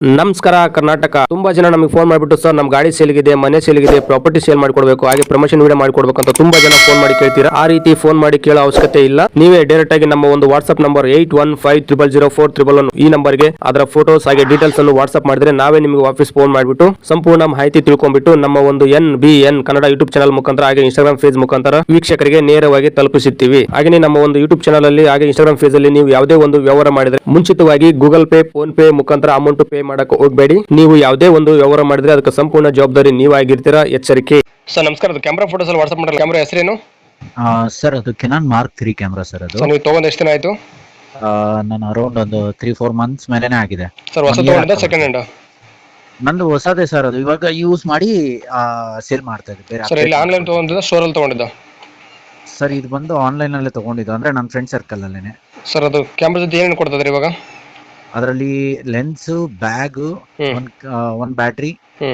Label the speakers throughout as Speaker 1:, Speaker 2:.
Speaker 1: ನಮಸ್ಕಾರ ಕರ್ನಾಟಕ. ತುಂಬಾ ಜನ ನಮಗೆ ಫೋನ್ ಮಾಡಿಬಿಟ್ಟು ಸರ್ ನಮ್ಮ ಗಾಡಿ ಸೇಲ್ಗಿದೆ, ಮನೆ ಸೇಲ್ಗಿದೆ, ಪ್ರಾಪರ್ಟಿ ಸೇಲ್ ಮಾಡಿಕೊಡ್ಬೇಕು, ಹಾಗೆ ಪ್ರಮೋಷನ್ ವಿಡಿಯೋ ಮಾಡಿಕೊಡ್ಬೇಕು ಅಂತ ತುಂಬಾ ಜನ ಫೋನ್ ಮಾಡಿ ಕೇಳ್ತೀರಾ. ಆ ರೀತಿ ಫೋನ್ ಮಾಡಿ ಕೇಳೋ ಅವಶ್ಯಕತೆ ಇಲ್ಲ. ನೀವೇ ಡೈರೆಕ್ಟ್ ಆಗಿ ನಮ್ಮ ಒಂದು ವಾಟ್ಸ್ಆಪ್ ನಂಬರ್ 81500411 ಈ ನಂಬರ್ಗೆ ಅದರ ಫೋಟೋಸ್ ಹಾಗೆ ಡೀಟೇಲ್ಸ್ ಅನ್ನು ವಾಟ್ಸ್ಆಪ್ ಮಾಡಿದ್ರೆ ನಾವೇ ನಿಮಗೆ ವಾಪಸ್ ಫೋನ್ ಮಾಡಿಬಿಟ್ಟು ಸಂಪೂರ್ಣ ಮಾಹಿತಿ ತಿಳ್ಕೊಂಡ್ಬಿಟ್ಟು ನಮ್ಮ ಒಂದು NBN ಕನ್ನಡ ಯೂಟ್ಯೂಬ್ ಚಾನಲ್ ಮುಖಾಂತರ ಹಾಗೆ ಇನ್ಸ್ಟಾಗ್ರಾಮ್ ಪೇಜ್ ಮುಖಾಂತರ ವೀಕ್ಷಕರಿಗೆ ನೇರವಾಗಿ ತಲುಪಿಸುತ್ತೀವಿ. ಹಾಗೆ ನಮ್ಮ ಒಂದು ಯೂಟ್ಯೂಬ್ ಚಾನಲ್ ಅಲ್ಲಿ ಹಾಗೆ ಇನ್ಸ್ಟಾಗ್ರಾಮ್ ಪೇಜ್ ಅಲ್ಲಿ ನೀವು ಯಾವುದೇ ಒಂದು ವ್ಯವಹಾರ ಮಾಡಿದ್ರೆ ಮುಂಚಿತವಾಗಿ ಗೂಗಲ್ ಪೇ, ಫೋನ್ ಪೇ ಮುಖಾಂತರ ಅಮೌಂಟ್ ಪೇ ಮಾಡಕ್ಕೆ ಹೋಗಬೇಡಿ. ನೀವು ಯಾವುದೇ ಒಂದು ವ್ಯವಹಾರ ಮಾಡಿದ್ರೆ ಅದಕ್ಕೆ ಸಂಪೂರ್ಣ ಜವಾಬ್ದಾರಿ ನೀವಾಗಿರ್ತೀರಾ, ಎಚ್ಚರಿಕೆ. ಸರ್ ನಮಸ್ಕಾರ, ಅದು ಕ್ಯಾಮ್ರಾ ಫೋಟೋಸ್ ಅಲ್ಲಿ ವಾಟ್ಸ್ಆಪ್ ಮಾಡಲ್ಲ, ಕ್ಯಾಮ್ರಾ ಹೆಸರೇನು
Speaker 2: ಸರ್? ಅದು ಕೆನಾನ್ ಮಾರ್ಕ್ 3 ಕ್ಯಾಮ್ರಾ ಸರ್. ಅದು
Speaker 1: ನೀವು ತಗೊಂಡ್ ಎಷ್ಟು ದಿನ ಆಯ್ತು?
Speaker 2: ನಾನು ಅರೌಂಡ್ ಒಂದು 3-4 ಮಂತ್ಸ್ ಮೇಲೆನೆ ಆಗಿದೆ
Speaker 1: ಸರ್. ಹೊಸ ತಗೊಂಡಿದ್ದ ಸೆಕೆಂಡ್ ಹ್ಯಾಂಡ್?
Speaker 2: ನಂದು ಹೊಸದೇ ಸರ್. ಅದು ಇವಾಗ ಯೂಸ್ ಮಾಡಿ ಸೇಲ್ ಮಾಡ್ತಾ ಇದ್ದೆ.
Speaker 1: ಸರ್ ಇಲ್ಲಿ ಆನ್ಲೈನ್ ತಗೊಂಡಿದ್ದ, ಸ್ಟೋರ್ ಅಲ್ಲಿ ತಗೊಂಡಿದ್ದ?
Speaker 2: ಸರ್ ಇದು ಬಂದು ಆನ್ಲೈನ್ ಅಲ್ಲೇ ತಗೊಂಡಿದ್ದು, ಅಂದ್ರೆ ನನ್ನ ಫ್ರೆಂಡ್ ಸರ್ಕಲ್ ಅಲ್ಲೇನೆ.
Speaker 1: ಸರ್ ಅದು ಕ್ಯಾಮ್ರಾ ಜೊತೆ ಏನೇನು ಕೊಡ್ತದ್ರಿ ಇವಾಗ?
Speaker 2: ಅದರಲ್ಲಿ ಲೆನ್ಸ್, ಬ್ಯಾಗ್, ಒಂದು ಬ್ಯಾಟ್ರಿ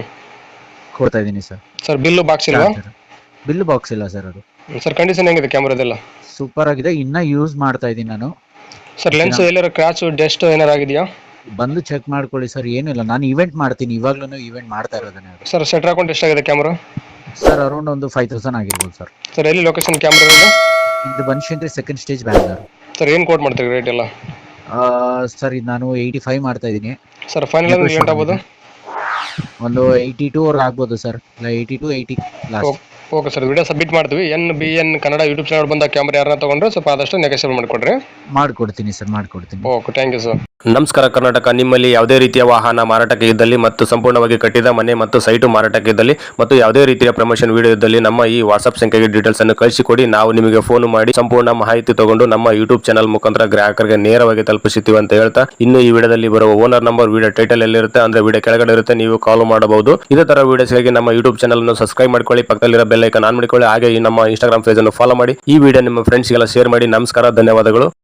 Speaker 2: ಕೊಡ್ತಾ ಇದೀನಿ ಸರ್.
Speaker 1: ಸರ್ ಬಿಲ್ ಬಾಕ್ಸ್ ಇಲ್ವಾ?
Speaker 2: ಬಿಲ್ ಬಾಕ್ಸ್ ಇಲ್ಲ ಸರ್. ಅದು
Speaker 1: ಸರ್ ಕಂಡೀಷನ್ ಹೆಂಗಿದೆ ಕ್ಯಾಮ್ರಾದೆಲ್ಲ?
Speaker 2: ಸೂಪರ್ ಆಗಿದೆ, ಇನ್ನ ಯೂಸ್ ಮಾಡ್ತಾ ಇದೀನಿ ನಾನು.
Speaker 1: ಸರ್ ಲೆನ್ಸ್ ಎಲ್ಲಾರು ಕ್ರಾಚ್, ಡಸ್ಟ್ ಏನಾರು ಆಗಿದೆಯಾ?
Speaker 2: ಬಂದು ಚೆಕ್ ಮಾಡ್ಕೊಳ್ಳಿ ಸರ್. ಏನಿಲ್ಲ, ನಾನು ಇವೆಂಟ್ ಮಾಡ್ತೀನಿ, ಇವಾಗ್ಲೂ ಇವೆಂಟ್ ಮಾಡ್ತಾ ಇರೋದನ್ನೇ.
Speaker 1: ಸರ್ ಸೆಟ್ ಹಾಕೊಂಡು ಎಷ್ಟಾಗಿದೆ ಕ್ಯಾಮ್ರಾ?
Speaker 2: ಸರ್ ಅರೌಂಡ್ ಒಂದು 5000 ಆಗಿರ್ಬೋದು ಸರ್.
Speaker 1: ಸರ್ ಎಲ್ಲಿ ಲೊಕೇಶನ್ ಕ್ಯಾಮ್ರಾ ಇದೆ?
Speaker 2: ಇದು Banashankari second stage, Bangalore.
Speaker 1: Sir ಏನು ಕೋಟ್ ಮಾಡ್ತೀರಿ ರೇಟ್ ಎಲ್ಲ?
Speaker 2: ಸರ್ ಇದು ನಾನು 85 ಮಾಡ್ತಾ ಇದ್ದೀನಿ
Speaker 1: ಸರ್. ಫೈನಲ್ ಏನು ಆಗ್ಬೋದು?
Speaker 2: ಒಂದು 82 ವರ್ಗ ಆಗ್ಬೋದು ಸರ್, ಇಲ್ಲ 82, 80 last.
Speaker 1: Okay sir, video submit ಮಾಡ್ತೀವಿ. NBN ಕನ್ನಡ ಯೂಟ್ಯೂಬ್ ಚಾನಲ್ ಬಂದ ಕ್ಯಾಮ್ರಾ ಯಾರನ್ನ ತಗೊಂಡ್ರೆ ಸ್ವಲ್ಪ ಆದಷ್ಟು ನೆಗೋಷಿಯೇಟ್ ಮಾಡಿಕೊಡ್ರಿ.
Speaker 2: ಮಾಡ್ಕೊಡ್ತೀನಿ ಸರ್, ಮಾಡ್ಕೊಡ್ತೀನಿ.
Speaker 1: Okay, thank you sir. ನಮಸ್ಕಾರ ಕರ್ನಾಟಕ. ನಿಮ್ಮಲ್ಲಿ ಯಾವುದೇ ರೀತಿಯ ವಾಹನ ಮಾರಾಟಕ್ಕೆ ಇದ್ದಲ್ಲಿ ಮತ್ತು ಸಂಪೂರ್ಣವಾಗಿ ಕಟ್ಟಿದ ಮನೆ ಮತ್ತು ಸೈಟು ಮಾರಾಟಕ್ಕೆ ಇದ್ದಲ್ಲಿ ಮತ್ತು ಯಾವುದೇ ರೀತಿಯ ಪ್ರಮೋಷನ್ ವಿಡಿಯೋ ಇದ್ದಲ್ಲಿ ನಮ್ಮ ಈ ವಾಟ್ಸ್ಆಪ್ ಸಂಖ್ಯೆಗೆ ಡೀಟೇಲ್ಸ್ ಅನ್ನು ಕಳಿಸಿಕೊಡಿ. ನಾವು ನಿಮಗೆ ಫೋನ್ ಮಾಡಿ ಸಂಪೂರ್ಣ ಮಾಹಿತಿ ತಗೊಂಡು ನಮ್ಮ ಯೂಟ್ಯೂಬ್ ಚಾನಲ್ ಮುಖಾಂತರ ಗ್ರಾಹಕರಿಗೆ ನೇರವಾಗಿ ತಲುಪಿಸುತ್ತೀವಿ ಅಂತ ಹೇಳ್ತಾ, ಇನ್ನು ಈ ವಿಡಿಯೋದಲ್ಲಿ ಬರುವ ಓನರ್ ನಂಬರ್ ವಿಡಿಯೋ ಟೈಟಲ್ ಎಲ್ಲಿರುತ್ತೆ ಅಂದ್ರೆ ವಿಡಿಯೋ ಕೆಳಗಡೆ ಇರುತ್ತೆ, ನೀವು ಕಾಲ್ ಮಾಡಬಹುದು. ಇದೇ ತರ ವಿಡಿಯೋಸ್ಗಾಗಿ ನಮ್ಮ ಯೂಟ್ಯೂಬ್ ಚಾನಲ್ ಅನ್ನು ಸಬ್ಸ್ಕ್ರೈಬ್ ಮಾಡ್ಕೊಳ್ಳಿ, ಪಕ್ಕದಲ್ಲಿರೋ ಬೆಲ್ ಐಕಾನ್ ಆನ್ ಮಾಡಿಕೊಳ್ಳಿ, ಹಾಗೆ ಈ ನಮ್ಮ ಇನ್ಸ್ಟಾಗ್ರಾಮ್ ಪೇಜ್ ಅನ್ನು ಫಾಲೋ ಮಾಡಿ. ಈ ವಿಡಿಯೋ ನಿಮ್ಮ ಫ್ರೆಂಡ್ಸ್ಗೆಲ್ಲ ಶೇರ್ ಮಾಡಿ. ನಮಸ್ಕಾರ, ಧನ್ಯವಾದಗಳು.